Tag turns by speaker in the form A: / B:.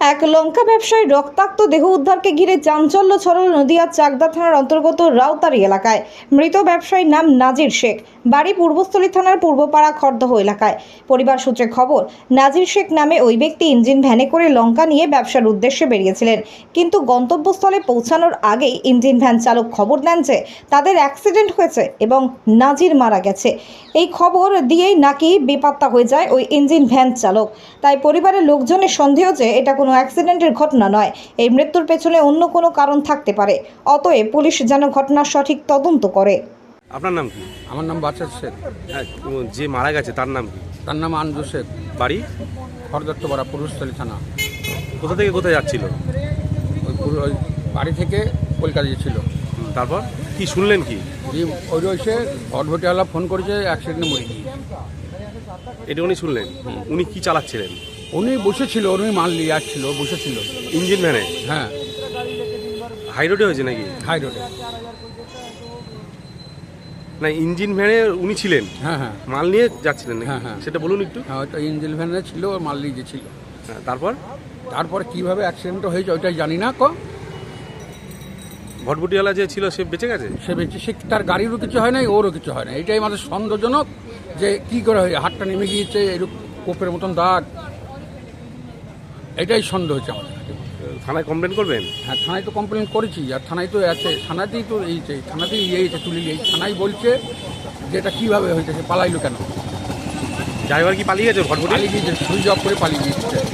A: এক লঙ্কা ব্যবসায়ী রক্তাক্ত দেহ উদ্ধারকে ঘিরে চাঞ্চল্য ছড়ালো নদিয়ার চাকদা থানার অন্তর্গত রাউতারি এলাকায়। মৃত ব্যবসায়ীর নাম নাজির শেখ, বাড়ি পূর্বস্থলী থানার পূর্বপাড়া খড়দহ এলাকায়। পরিবার সূত্রে খবর, নাজির শেখ নামে ওই ব্যক্তি ইঞ্জিন ভ্যানে করে লঙ্কা নিয়ে ব্যবসার উদ্দেশ্যে বেরিয়েছিলেন, কিন্তু গন্তব্যস্থলে পৌঁছানোর আগেই ইঞ্জিন ভ্যান চালক খবর দেন যে তাদের অ্যাক্সিডেন্ট হয়েছে এবং নাজির মারা গেছে। এই খবর দিয়েই নাকি বেপাত্তা হয়ে যায় ওই ইঞ্জিন ভ্যান চালক। তাই পরিবারের লোকজনের সন্দেহ যে এটা কোনো অ্যাক্সিডেন্টের ঘটনা নয়, এই মৃত্যুর পেছনে অন্য কোনো কারণ থাকতে পারে। অতএব পুলিশ যেন ঘটনার সঠিক তদন্ত করে।
B: আপনার নাম কি?
C: আমার নাম বাচ্চা শেখ।
B: হ্যাঁ, যে মারা গেছে তার নাম কি?
C: তার নাম আনজু শেখ,
B: বাড়ি
C: খড়দত্তপাড়া পূর্বস্থলী থানা।
B: কোথা থেকে কোথায় যাচ্ছিল?
C: ওই বাড়ি থেকে কলকাতা গিয়েছিল।
B: তারপর কি শুনলেন কি?
C: ওই এসে ভটভটিওয়ালা ফোন করেছে, অ্যাক্সিডেন্টে মরে গিয়ে।
B: এটা উনি শুনলেন? উনি কি চালাচ্ছিলেন?
C: উনি বসেছিল, উনি মাল নিয়ে আসছিল, বসেছিল
B: ইঞ্জিন ভ্যানে?
C: হ্যাঁ,
B: হাই রোডে হয়েছে নাকি?
C: হাই রোডে।
B: না, ইঞ্জিন ভ্যানে উনি ছিলেন?
C: হ্যাঁ হ্যাঁ
B: মাল নিয়ে যাচ্ছিলেন নাকি?
C: হ্যাঁ, হ্যাঁ।
B: সেটা বলুন একটু।
C: হ্যাঁ, ওইটা ইঞ্জিন ভ্যানে ছিল, ওর মাল নিয়ে গেছিল।
B: হ্যাঁ, তারপর
C: তারপরে কীভাবে অ্যাক্সিডেন্টটা হয়েছে ওইটাই জানি না।
B: ভটভটিওয়ালা যে ছিল সে বেঁচে গেছে?
C: সে বেঁচে, সে তার গাড়িরও কিছু হয় নাই, ওরও কিছু হয় না। এটাই আমাদের সন্দেহজনক যে কী করে হয়, হাতটা নেমে গিয়েছে, এরকম কোপের মতন দাগ। এটাই সন্দেহ হচ্ছে আমাদের।
B: থানায় কমপ্লেন করবেন?
C: হ্যাঁ, থানায় তো কমপ্লেন করেছি, আর থানায় তো আছে, থানাতেই তো এই যে থানাতেই ইয়েছে তুলি, এই থানায় বলছে যে এটা কীভাবে হয়েছে, সে পালাইলো কেন?
B: ড্রাইভার কি পালিয়ে গেছে? ভটভটি
C: পালিয়ে গিয়েছে, সুইচ অফ করে পালিয়ে গিয়েছে।